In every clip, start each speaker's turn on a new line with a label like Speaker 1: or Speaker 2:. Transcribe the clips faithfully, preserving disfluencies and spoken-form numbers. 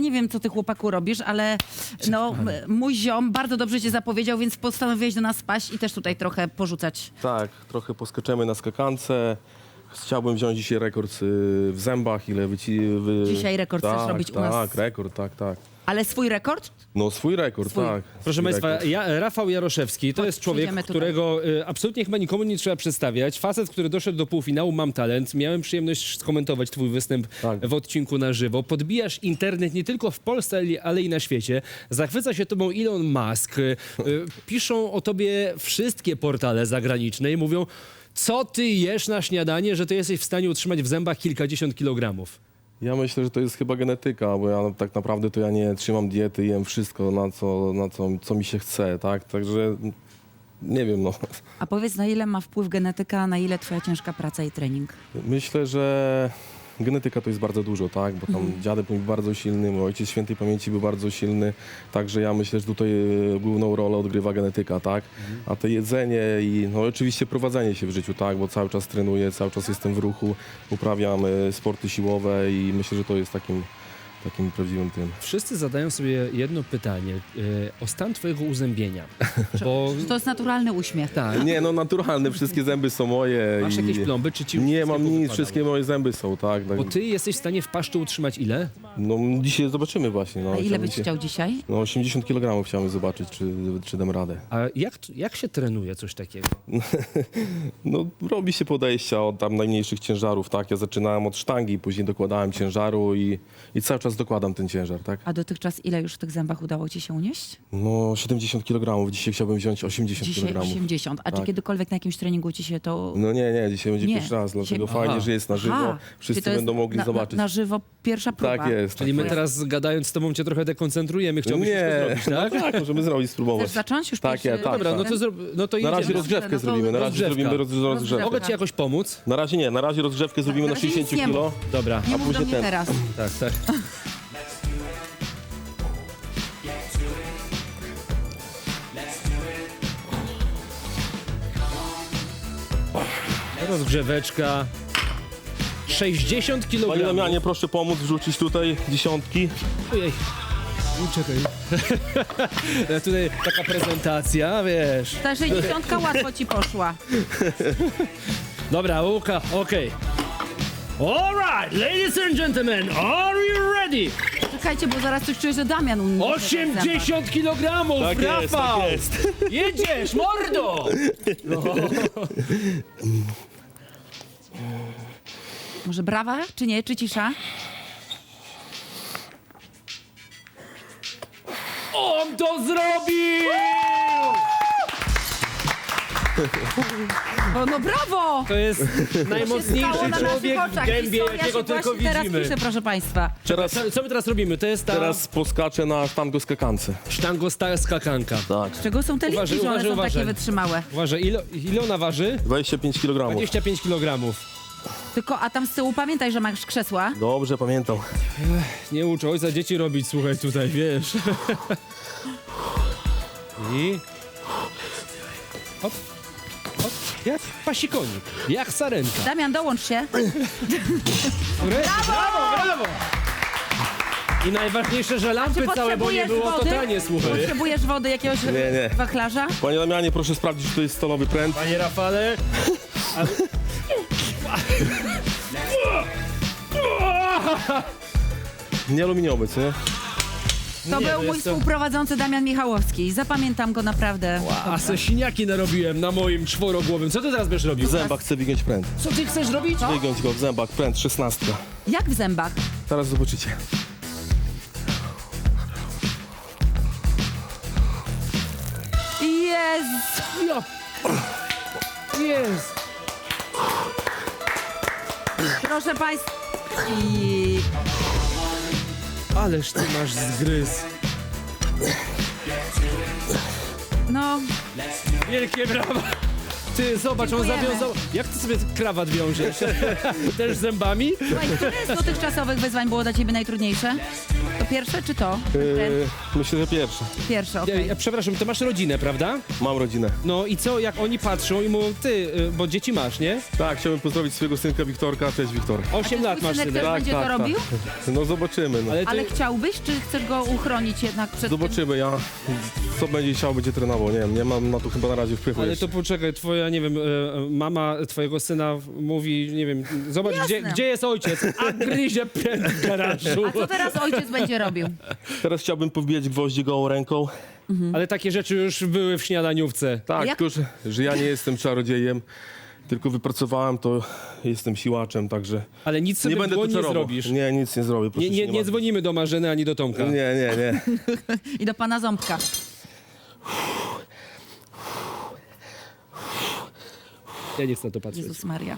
Speaker 1: nie wiem, co ty, chłopaku, robisz, ale no, m- mój ziom bardzo dobrze cię zapowiedział, więc postanowiłeś do nas spaść i też tutaj trochę porzucać.
Speaker 2: Tak, trochę poskaczemy na skakance. Chciałbym wziąć dzisiaj rekord y, w zębach, ile wyci... Wy...
Speaker 1: Dzisiaj rekord
Speaker 2: tak,
Speaker 1: chcesz robić u
Speaker 2: tak,
Speaker 1: nas?
Speaker 2: Tak, rekord, tak, tak.
Speaker 1: Ale swój rekord?
Speaker 2: No swój rekord,
Speaker 1: Swój.
Speaker 2: tak.
Speaker 3: Proszę
Speaker 2: swój
Speaker 3: Państwa,
Speaker 2: rekord.
Speaker 3: ja, Rafał Jaroszewski to
Speaker 1: Chodź,
Speaker 3: jest człowiek,
Speaker 1: przyjdziemy tutaj.
Speaker 3: którego y, absolutnie chyba nikomu nie trzeba przedstawiać. Facet, który doszedł do półfinału Mam Talent. Miałem przyjemność skomentować twój występ
Speaker 2: Tak.
Speaker 3: w odcinku na żywo. Podbijasz internet nie tylko w Polsce, ale- ale i na świecie. Zachwyca się tobą Elon Musk. Y, y, piszą o tobie wszystkie portale zagraniczne i mówią, co ty jesz na śniadanie, że ty jesteś w stanie utrzymać w zębach kilkadziesiąt kilogramów.
Speaker 2: Ja myślę, że to jest chyba genetyka, bo ja tak naprawdę to ja nie trzymam diety, jem wszystko, na co, na co, co mi się chce, tak? Także nie wiem, no.
Speaker 1: A powiedz, na ile ma wpływ genetyka, a na ile twoja ciężka praca i trening?
Speaker 2: Myślę, że genetyka to jest bardzo dużo, tak? Bo tam dziadek był bardzo silny, mój ojciec świętej pamięci był bardzo silny, także ja myślę, że tutaj e, główną rolę odgrywa genetyka, tak? A to jedzenie i no oczywiście prowadzenie się w życiu, tak? Bo cały czas trenuję, cały czas jestem w ruchu, uprawiam e, sporty siłowe i myślę, że to jest takim, takim prawdziwym tym.
Speaker 3: Wszyscy zadają sobie jedno pytanie y, o stan twojego uzębienia. Bo
Speaker 1: Czy to jest naturalny uśmiech?
Speaker 3: tak,
Speaker 2: Nie, no naturalne, wszystkie zęby są moje.
Speaker 3: masz
Speaker 2: i
Speaker 3: jakieś plomby, czy ci
Speaker 2: Nie
Speaker 3: wszystkie
Speaker 2: mam nic,
Speaker 3: powypadały?
Speaker 2: wszystkie moje zęby są, tak? tak.
Speaker 3: Bo ty jesteś w stanie w paszczu utrzymać ile?
Speaker 2: No dzisiaj zobaczymy właśnie. No,
Speaker 1: A ile
Speaker 2: chciałbym
Speaker 1: byś
Speaker 2: się-
Speaker 1: chciał dzisiaj?
Speaker 2: No osiemdziesiąt kilogramów chciałem zobaczyć, czy, czy dam radę.
Speaker 3: A jak, jak się trenuje coś takiego?
Speaker 2: No robi się podejścia od tam najmniejszych ciężarów, tak? Ja zaczynałem od sztangi, później dokładałem ciężaru i, i cały czas dokładam ten ciężar, tak?
Speaker 1: A dotychczas ile już w tych zębach udało ci się unieść?
Speaker 2: No siedemdziesiąt kilogramów, dzisiaj chciałbym wziąć osiemdziesiąt
Speaker 1: Dzisiaj
Speaker 2: kilogramów.
Speaker 1: osiemdziesiąt. A czy
Speaker 2: Tak.
Speaker 1: kiedykolwiek na jakimś treningu ci się to...
Speaker 2: No nie, nie, dzisiaj będzie
Speaker 1: Nie,
Speaker 2: pierwszy raz, dlatego
Speaker 1: dzisiaj-
Speaker 2: fajnie,
Speaker 3: Aha.
Speaker 2: że jest na żywo,
Speaker 1: Aha,
Speaker 2: wszyscy
Speaker 1: czyli to jest
Speaker 2: będą mogli
Speaker 1: na,
Speaker 2: zobaczyć.
Speaker 1: Na, na żywo pierwsza próba.
Speaker 2: Tak jest.
Speaker 3: Czyli
Speaker 2: tak
Speaker 3: my
Speaker 2: jest.
Speaker 3: teraz gadając z tobą cię trochę dekoncentrujemy, chciałbyś
Speaker 2: Nie,
Speaker 3: wszystko zrobić, tak?
Speaker 2: no tak, możemy zrobić, spróbować.
Speaker 1: Chcesz zacząć już
Speaker 2: Tak,
Speaker 1: pierwszy...
Speaker 2: ja, tak,
Speaker 3: Dobra, no
Speaker 2: tak.
Speaker 3: to, zro... no to
Speaker 2: Na razie
Speaker 3: jedziemy.
Speaker 2: rozgrzewkę
Speaker 1: No to
Speaker 2: zrobimy, na razie
Speaker 3: rozgrzewka.
Speaker 2: zrobimy roz, rozgrzewkę.
Speaker 1: Rozgrzewka.
Speaker 3: Mogę ci jakoś pomóc?
Speaker 2: Na razie nie, na razie rozgrzewkę zrobimy
Speaker 1: Na
Speaker 2: na
Speaker 1: razie nic
Speaker 2: sześćdziesiąt
Speaker 1: nie
Speaker 2: kilo.
Speaker 1: mów.
Speaker 3: Dobra,
Speaker 1: Nie mów do
Speaker 2: później
Speaker 1: mnie
Speaker 2: ten.
Speaker 1: teraz.
Speaker 3: tak, tak. Rozgrzeweczka. sześćdziesiąt
Speaker 2: Panie
Speaker 3: kilogramów.
Speaker 2: Damianie, proszę pomóc wrzucić tutaj dziesiątki.
Speaker 3: Ojej. U, Czekaj. Ja tutaj taka prezentacja, wiesz.
Speaker 1: Ta sześćdziesiątka łatwo ci poszła.
Speaker 3: Dobra, Łuka, okej. All right, ladies and gentlemen, are you ready?
Speaker 1: Czekajcie, bo zaraz coś czuję, że Damian uniesie.
Speaker 3: osiemdziesiąt kilogramów,
Speaker 2: Tak jest,
Speaker 3: Rafał!
Speaker 2: tak jest.
Speaker 3: Jedziesz, mordo!
Speaker 1: Może brawa, czy nie? Czy cisza?
Speaker 3: On to zrobił!
Speaker 1: O, no brawo!
Speaker 3: To jest
Speaker 1: Stało
Speaker 3: najmocniejszy
Speaker 1: na
Speaker 3: człowiek
Speaker 1: naszych
Speaker 3: w
Speaker 1: oczach.
Speaker 3: gębie,
Speaker 1: Historia
Speaker 3: jakiego
Speaker 1: się
Speaker 3: tylko
Speaker 1: właśnie teraz
Speaker 3: widzimy.
Speaker 1: pisze, proszę państwa.
Speaker 2: Teraz,
Speaker 3: Co, co my teraz robimy? To jest ta
Speaker 2: teraz poskaczę na sztango skakance.
Speaker 3: sztango sta- skakanka.
Speaker 2: Tak.
Speaker 1: Z czego są te linki,
Speaker 3: Uważaj,
Speaker 1: że one
Speaker 3: uważaj,
Speaker 1: są
Speaker 3: uważaj.
Speaker 1: takie wytrzymałe?
Speaker 3: Uważaj, ile, ile ona waży?
Speaker 2: dwadzieścia pięć kilogramów.
Speaker 3: dwadzieścia pięć kilogramów.
Speaker 1: Tylko, a tam z tyłu pamiętaj, że masz krzesła.
Speaker 2: Dobrze, pamiętam.
Speaker 3: Nie uczę ojca dzieci robić, słuchaj, tutaj, wiesz. I... Hop, hop, jak pasikonik, jak sarenka.
Speaker 1: Damian, dołącz się.
Speaker 3: Brawo, brawo, brawo! I najważniejsze, że lampy
Speaker 1: Czy
Speaker 3: całe, bo nie
Speaker 1: potrzebujesz
Speaker 3: było
Speaker 1: wody?
Speaker 3: totalnie, słuchaj.
Speaker 1: Potrzebujesz wody, jakiegoś
Speaker 2: Nie, nie.
Speaker 1: wachlarza?
Speaker 2: Panie Damianie, proszę sprawdzić, czy to jest stalowy pręt.
Speaker 3: Panie Rafale... A...
Speaker 2: Nie aluminiowy, co nie?
Speaker 1: To
Speaker 3: Nie,
Speaker 1: był
Speaker 3: no
Speaker 1: mój
Speaker 3: jest to-
Speaker 1: współprowadzący Damian Michałowski. Zapamiętam go naprawdę.
Speaker 3: A se siniaki narobiłem na moim czworogłowym. Co ty teraz będziesz robił?
Speaker 2: W zębach chcę wygiąć pręt.
Speaker 3: Co ty chcesz robić?
Speaker 2: Wygiąć go w zębach, pręt, szesnastka.
Speaker 1: Jak w zębach?
Speaker 2: Teraz zobaczycie.
Speaker 1: Jezu!
Speaker 3: Ja... Jest!
Speaker 1: Proszę państwa. I...
Speaker 3: Ależ ty masz zgryz.
Speaker 1: No,
Speaker 3: Wielkie brawa! Ty, zobacz, on
Speaker 1: Dziękujemy.
Speaker 3: zawiązał... Jak ty sobie krawat wiążesz? Też zębami?
Speaker 1: słuchaj, które z dotychczasowych wyzwań było dla ciebie najtrudniejsze? To pierwsze czy to?
Speaker 2: Yy, myślę, że pierwsze.
Speaker 1: Pierwsze,
Speaker 3: Ja,
Speaker 1: okej.
Speaker 3: ja, przepraszam, to masz rodzinę, prawda?
Speaker 2: Mam rodzinę.
Speaker 3: No i co, jak oni patrzą i mówią, ty, y, bo dzieci masz, nie?
Speaker 2: Tak, chciałbym pozdrowić swojego synka Wiktorka. Cześć, Wiktor.
Speaker 3: osiem
Speaker 1: Czy
Speaker 3: lat
Speaker 1: twój
Speaker 3: masz
Speaker 1: synek
Speaker 3: synek.
Speaker 1: też będzie to robił?
Speaker 2: No zobaczymy. No.
Speaker 3: Ale ty,
Speaker 1: Ale chciałbyś, czy chcesz go uchronić jednak przed tym?
Speaker 2: Zobaczymy, ja co będzie chciał, będzie trenował. Nie wiem, nie mam na to chyba na razie wpływu
Speaker 3: ale
Speaker 2: jeszcze.
Speaker 3: to poczekaj, twoja, nie wiem, e, e, mama twojego syna mówi, nie wiem, zobacz, gdzie,
Speaker 1: Jasne.
Speaker 3: gdzie jest ojciec, a gryzie pięt w garażu.
Speaker 1: A co teraz ojciec będzie robił?
Speaker 2: Teraz chciałbym powbijać gwoździ gołą ręką.
Speaker 3: Ale takie rzeczy już były w śniadaniówce.
Speaker 2: Tak,
Speaker 1: Jak-
Speaker 2: tylko że, że ja nie jestem czarodziejem, tylko wypracowałem to, jestem siłaczem, także
Speaker 3: Ale nic sobie
Speaker 2: nie będę
Speaker 3: w
Speaker 2: tu
Speaker 3: dłoń nie
Speaker 2: czarował.
Speaker 3: zrobisz.
Speaker 2: Nie, nic nie zrobię. Proszę
Speaker 3: Nie,
Speaker 2: się
Speaker 3: nie, nie
Speaker 2: martwić.
Speaker 3: dzwonimy do Marzeny ani do Tomka.
Speaker 2: Nie, nie, nie.
Speaker 1: I do pana Ząbka.
Speaker 3: Ja nie chcę na to patrzeć.
Speaker 1: Jezus Maria.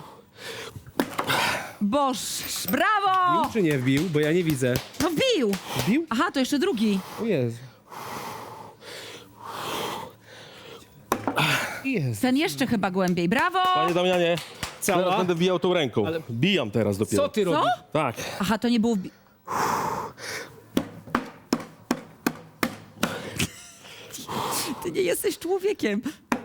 Speaker 1: Boż, brawo!
Speaker 3: Bił czy nie wbił? Bo ja nie widzę.
Speaker 1: No bił!
Speaker 3: Bił?
Speaker 1: Aha, to jeszcze drugi.
Speaker 3: O Jezu. Jezu.
Speaker 1: Ten jeszcze chyba głębiej. Brawo!
Speaker 2: Panie Damianie, teraz
Speaker 3: Cała?
Speaker 2: będę bijał tą ręką.
Speaker 3: Ale-
Speaker 2: Bijam teraz dopiero.
Speaker 3: Co ty robisz?
Speaker 2: Tak.
Speaker 1: Aha, to nie było... wbi- Ty nie jesteś człowiekiem.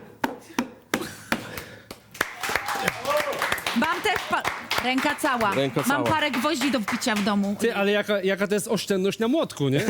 Speaker 1: Mam też... Pa... Ręka cała.
Speaker 2: Ręka
Speaker 1: Mam
Speaker 2: cała.
Speaker 1: parę gwoździ do wbicia w domu.
Speaker 3: Ty, ale jaka, jaka to jest oszczędność na młotku, nie?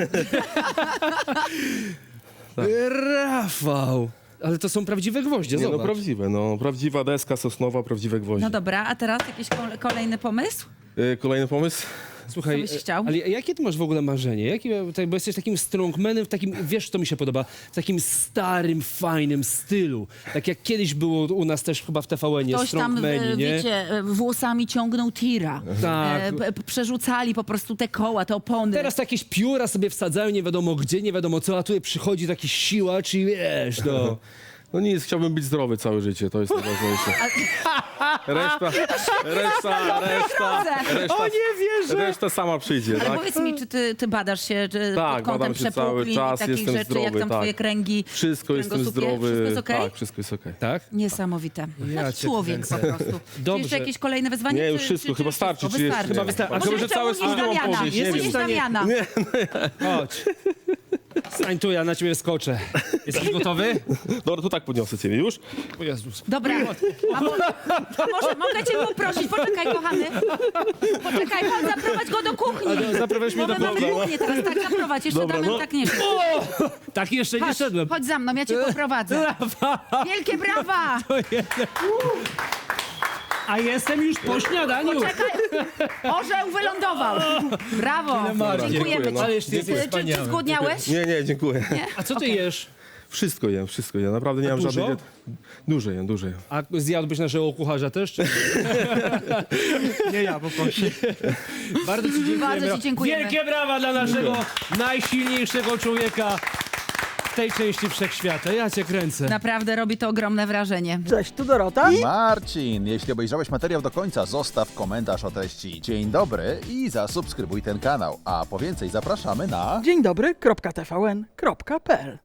Speaker 3: Rafał! Ale to są prawdziwe gwoździe,
Speaker 2: Nie, no
Speaker 3: zobacz.
Speaker 2: prawdziwe, no. Prawdziwa deska sosnowa, prawdziwe gwoździe.
Speaker 1: No dobra, a teraz jakiś kole- kolejny pomysł?
Speaker 2: Y, Kolejny pomysł?
Speaker 3: Słuchaj,
Speaker 1: Co byś chciał?
Speaker 3: ale jakie ty masz w ogóle marzenie? Jakie, tak, bo jesteś takim strongmanem, w takim, wiesz, to mi się podoba, w takim starym, fajnym stylu. Tak jak kiedyś było u nas też chyba w T V N-ie,
Speaker 1: Ktoś tam,
Speaker 3: strongmani,
Speaker 1: e,
Speaker 3: nie?
Speaker 1: wiecie, e, włosami ciągnął tira.
Speaker 3: Tak.
Speaker 1: E, p- p- przerzucali po prostu te koła, te opony.
Speaker 3: Teraz jakieś pióra sobie wsadzają, nie wiadomo gdzie, nie wiadomo co, a tutaj przychodzi taki siłacz i wiesz, no.
Speaker 2: No nic, chciałbym być zdrowy całe życie, to jest najważniejsze. Reszta, reszta, reszta, reszta,
Speaker 3: O, nie wierzę!
Speaker 2: reszta sama przyjdzie,
Speaker 1: Ale
Speaker 2: tak?
Speaker 1: powiedz mi, czy ty, ty badasz się czy
Speaker 2: Tak,
Speaker 1: pod kątem
Speaker 2: badam się cały
Speaker 1: przepukliń
Speaker 2: czas,
Speaker 1: i takich
Speaker 2: jestem
Speaker 1: rzeczy,
Speaker 2: zdrowy,
Speaker 1: jak tam
Speaker 2: tak.
Speaker 1: twoje kręgi,
Speaker 2: Wszystko jestem
Speaker 1: kręgosłupie?
Speaker 2: zdrowy.
Speaker 1: Wszystko jest okej?
Speaker 2: Tak, wszystko jest okej.
Speaker 3: Tak?
Speaker 1: Niesamowite.
Speaker 3: Ja
Speaker 1: Jak
Speaker 3: cię
Speaker 1: człowiek po
Speaker 3: kręcę.
Speaker 1: prostu. Czy
Speaker 3: Dobrze.
Speaker 1: jeszcze jakieś kolejne wyzwanie?
Speaker 2: Nie,
Speaker 1: czy,
Speaker 2: już wszystko,
Speaker 1: czy, czy
Speaker 2: chyba starczy, czy jeszcze
Speaker 1: wystarczy?
Speaker 2: nie?
Speaker 3: wystarczy. A
Speaker 1: Może
Speaker 3: chyba, że
Speaker 1: jeszcze
Speaker 3: całe
Speaker 1: unieść
Speaker 3: studium
Speaker 1: Damiana.
Speaker 3: opowiedzieć, nie
Speaker 1: Unieść
Speaker 3: wiem.
Speaker 1: Damiana.
Speaker 3: Chodź. Stań tu, ja na ciebie skoczę. Jesteś gotowy?
Speaker 2: Dobra, to tak podniosę ciebie już.
Speaker 3: O Jezus.
Speaker 1: Dobra, a, mo- a może mogę cię poprosić, poczekaj kochany. Poczekaj, chodź, zaprowadź go do kuchni.
Speaker 3: A, zaprowadź mnie
Speaker 1: Bo
Speaker 3: do
Speaker 1: my mamy
Speaker 3: kuchni.
Speaker 1: kuchnię teraz, tak zaprowadź, jeszcze
Speaker 2: Dobra,
Speaker 1: Damian
Speaker 2: no.
Speaker 1: tak nie wie.
Speaker 3: Tak jeszcze nie
Speaker 1: Chodź,
Speaker 3: szedłem.
Speaker 1: chodź za mną, ja cię poprowadzę. Wielkie brawa!
Speaker 3: A jestem już po śniadaniu.
Speaker 1: Czekaj, orzeł wylądował. Brawo,
Speaker 3: Marnie.
Speaker 1: dziękujemy
Speaker 2: Dziękuję,
Speaker 1: ci.
Speaker 2: no.
Speaker 3: Ale jeszcze
Speaker 1: Czy,
Speaker 3: jesteś
Speaker 1: czy, czy
Speaker 3: wspaniały.
Speaker 1: zgłodniałeś?
Speaker 2: Nie, nie, dziękuję.
Speaker 3: A co ty
Speaker 1: Okej.
Speaker 3: jesz?
Speaker 2: Wszystko jem, wszystko jem. Naprawdę nie mam
Speaker 3: dużo?
Speaker 2: żadnej... Dużo jem, dużo jem.
Speaker 3: A zjadłbyś naszego kucharza też? Czy...
Speaker 4: Nie ja, poproszę.
Speaker 3: Bardzo ci dziękujemy.
Speaker 1: Bardzo ci dziękujemy.
Speaker 3: Wielkie brawa dla naszego najsilniejszego człowieka w tej części wszechświata. Ja cię kręcę.
Speaker 1: Naprawdę robi to ogromne wrażenie.
Speaker 4: Cześć, tu Dorota.
Speaker 5: Marcin, jeśli obejrzałeś materiał do końca, zostaw komentarz o treści. Dzień dobry i zasubskrybuj ten kanał. A po więcej zapraszamy na...
Speaker 4: Dzień dobry, kropka T V N, kropka P L.